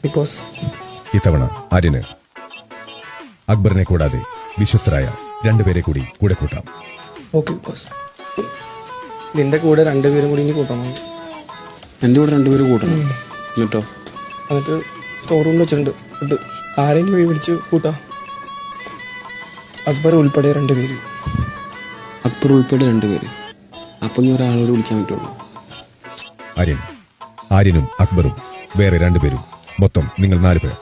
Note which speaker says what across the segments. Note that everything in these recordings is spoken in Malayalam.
Speaker 1: ബിക്കോസ്
Speaker 2: ഇത്തവണ ആര്യന് അക്ബറിനെ കൂടാതെ വിശ്വസ്തരായ രണ്ടുപേരെ കൂടി കൂടെ കൂട്ടാം.
Speaker 1: ഓക്കെ ബിക്കോസ് നിന്റെ കൂടെ രണ്ടുപേരും കൂടി ഇനി കൂട്ടണം.
Speaker 3: എൻ്റെ കൂടെ രണ്ടുപേരും കൂട്ടണം എന്നിട്ടോ?
Speaker 1: എന്നിട്ട് സ്റ്റോർ റൂമിൽ വെച്ചിട്ടുണ്ട് ഫുഡ്. ആരെങ്കിലും വഴി പിടിച്ച് കൂട്ടാം. അക്ബർ ഉൾപ്പെടെ രണ്ടുപേര്.
Speaker 3: അക്ബർ ഉൾപ്പെടെ രണ്ടുപേര്. അപ്പം ഞാൻ ഒരാളോട് വിളിക്കാൻ പറ്റുള്ളൂ.
Speaker 2: ആര്യനും അക്ബറും വേറെ രണ്ടുപേരും, മൊത്തം നിങ്ങൾ 4 പേർ.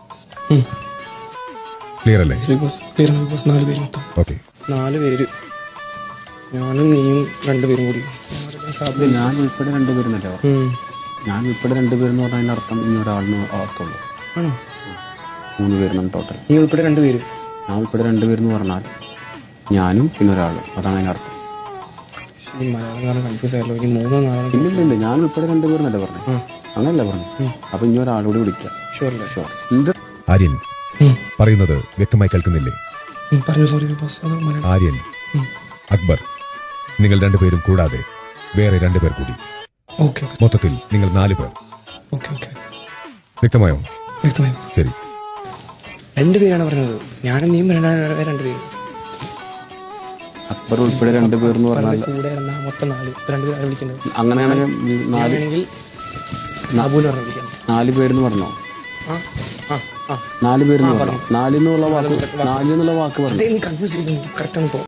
Speaker 2: ക്ലിയർ അല്ലേ?
Speaker 1: ബിക്കോസ് 4 പേര് മൊത്തം.
Speaker 2: ഓക്കെ,
Speaker 1: 4 പേര്. ഞാനും നീയും രണ്ടുപേരും കൂടി.
Speaker 3: ഞാൻ ഉൾപ്പെടെ രണ്ടുപേരെന്നല്ലേ? ഞാൻ ഉൾപ്പെടെ രണ്ടുപേരെന്ന് പറഞ്ഞാൽ അതിൻ്റെ അർത്ഥം ഇനി ഒരാളിന് അർത്ഥമുള്ളൂ.
Speaker 1: ആണോ?
Speaker 3: 3 പേരാണ് ടോട്ടൽ.
Speaker 1: നീ ഉൾപ്പെടെ രണ്ടുപേര്.
Speaker 3: ഞാൻ ഉൾപ്പെടെ രണ്ടുപേരെന്ന് പറഞ്ഞാൽ ഞാനും പിന്നെ ഒരാളും, അതാണ് അതിൻ്റെ അർത്ഥം.
Speaker 1: ഈ മലയാളം കാരണം കൺഫ്യൂസ് ആയല്ലോ. ഇനി 3 4
Speaker 3: ഇല്ല, ഞാൻ ഉൾപ്പെടെ രണ്ടുപേരെന്നല്ലേ പറഞ്ഞു? അങ്ങനല്ല പറഞ്ഞു. അപ്പൊ ഇനി ഒരാളോട് വിളിക്കാം.
Speaker 1: ഷുവറല്ലേ?
Speaker 3: ഷുവർ. എന്ത്
Speaker 2: ആര്യൻ പറയുന്നത് വ്യക്തമായി കേൾക്കുന്നില്ലേ?
Speaker 1: പറഞ്ഞു. സോറി ബിക്കോസ് അത് മലയാളം.
Speaker 2: ആര്യൻ, അക്ബർ, നിങ്ങൾ രണ്ടുപേരും കൂടാതെ വേറെ 2 പേർ കൂടി,
Speaker 1: ഓക്കെ
Speaker 2: മൊത്തത്തിൽ നിങ്ങൾ 4 പേർ.
Speaker 1: ഓക്കെ ഓക്കെ
Speaker 2: വ്യക്തമായോ?
Speaker 1: വ്യക്തമായി.
Speaker 2: ശരി.
Speaker 1: 2 പേരാണ് പറഞ്ഞത്. ഞാനും നീയും രണ്ടുപേര്.
Speaker 3: അക്ബർ ഉൾപ്പെടെ 2 പേരെന്ന് പറഞ്ഞാൽ
Speaker 1: കൂടെ ഇരുന്ന മൊത്തം 4. 2 പേരാണ് വിളിക്കുന്നത്.
Speaker 3: അങ്ങനെയാണെങ്കിൽ
Speaker 1: ആണെങ്കിൽ സാബുന്ന് പറഞ്ഞു വിളിക്കാം.
Speaker 3: 4 പേരെന്ന് പറഞ്ഞോ?
Speaker 1: ആ ആ ആ
Speaker 3: 4 പേരെന്ന് പറഞ്ഞു. 4 എന്നുള്ള വാക്ക് പറഞ്ഞു.
Speaker 1: നീ കൺഫ്യൂസ് ചെയ്തു. കറക്റ്റ് ആണ്.